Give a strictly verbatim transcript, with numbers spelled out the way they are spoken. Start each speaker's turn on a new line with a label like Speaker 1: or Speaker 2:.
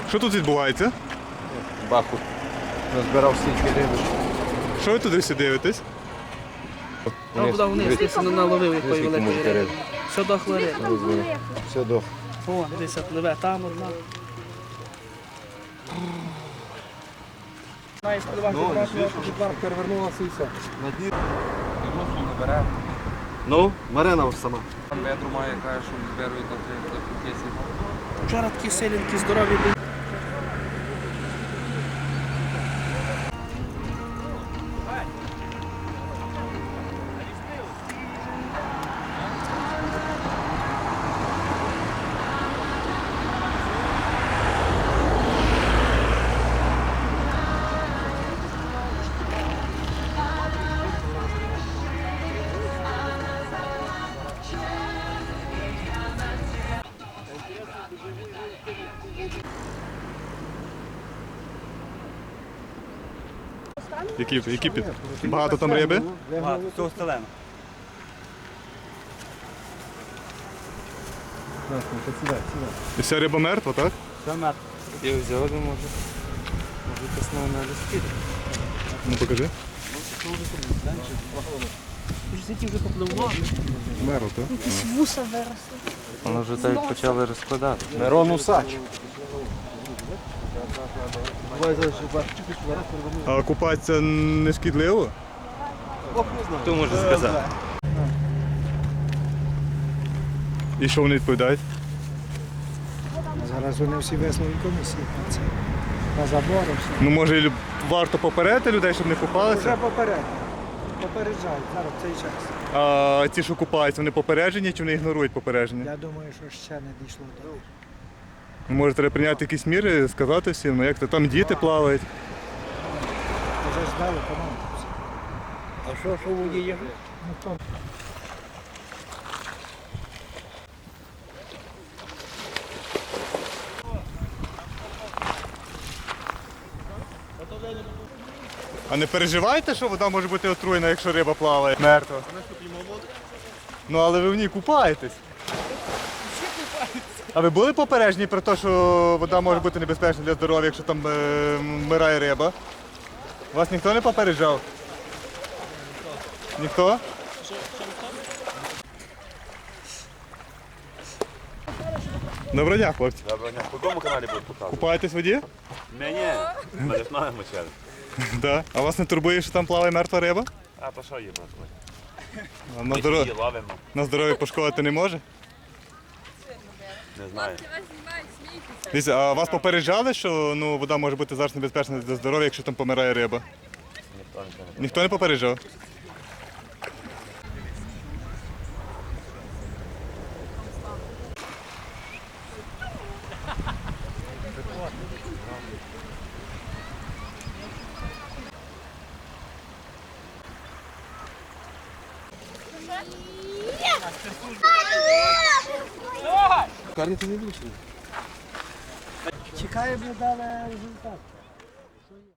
Speaker 1: Що тут відбувається?
Speaker 2: Баху назбирав стільки риби.
Speaker 1: Що ви туди всі дивитесь?
Speaker 3: Там буде вниз, десь воно наловив якої великої риби. Все дохло риба.
Speaker 2: Все до.
Speaker 3: О, десь пливе, там одна. Має сподіватися, що перевернулася і все.
Speaker 2: На дні не бере. Ну, Марина сама.
Speaker 4: Там ведру має, каже, що зберують на три п'єсі.
Speaker 3: Вчора такі силенькі, здорові були.
Speaker 1: Які, які під... Багато там риби?
Speaker 4: Багато, всього стелено.
Speaker 1: І вся риба мертва, так?
Speaker 4: Я взяв, може. Може, пісна на листі.
Speaker 1: Ну покажи.
Speaker 3: Сіті вже попливло.
Speaker 1: Мертва, так?
Speaker 5: Якісь вуса виросли.
Speaker 4: Воно вже так почали розкладати.
Speaker 2: Мирон Усач.
Speaker 1: А купатися не шкідливо?
Speaker 4: Хто може сказати?
Speaker 1: І що вони відповідають?
Speaker 6: Зараз вони всі виснові комісії на це. На забором все.
Speaker 1: Ну може і варто попередити людей, щоб не купалися?
Speaker 6: Вже попередньо. Попереджають зараз в цей час.
Speaker 1: А ті, що купаються, вони попереджені чи вони ігнорують попередження?
Speaker 6: Я думаю, що ще не дійшло до них.
Speaker 1: Може треба прийняти якісь міри, сказати всім, ну як то там діти плавають.
Speaker 6: Вже ж дали команду.
Speaker 3: А що, що у воді є?
Speaker 6: Ну, то
Speaker 1: А не переживаєте, що вода може бути отруєна, якщо риба плаває? Мертва. Ну але ви в ній купаєтесь. А ви були попереджені про те, що вода може бути небезпечна для здоров'я, якщо там е, вмирає риба? Вас ніхто не попереджав? Ніхто? Доброго дня, хлопці.
Speaker 7: Доброго дня. По якому каналі будуть показувати?
Speaker 1: Купаєтесь в воді?
Speaker 7: Мені. Ми ж маємо через.
Speaker 1: Да. А вас не турбує, що там плаває мертва риба?
Speaker 7: А то що є, просто?
Speaker 1: А на,
Speaker 7: Ми
Speaker 1: здоров'я,
Speaker 7: її ловимо.
Speaker 1: на здоров'я пошкодити не може?
Speaker 7: Не знаю.
Speaker 1: Дивіться, а вас попереджали, що ну, вода може бути зараз небезпечна для здоров'я, якщо там помирає риба?
Speaker 7: Ніхто нічого не
Speaker 1: Ніхто не попереджав?
Speaker 6: чекаємо, дали результат.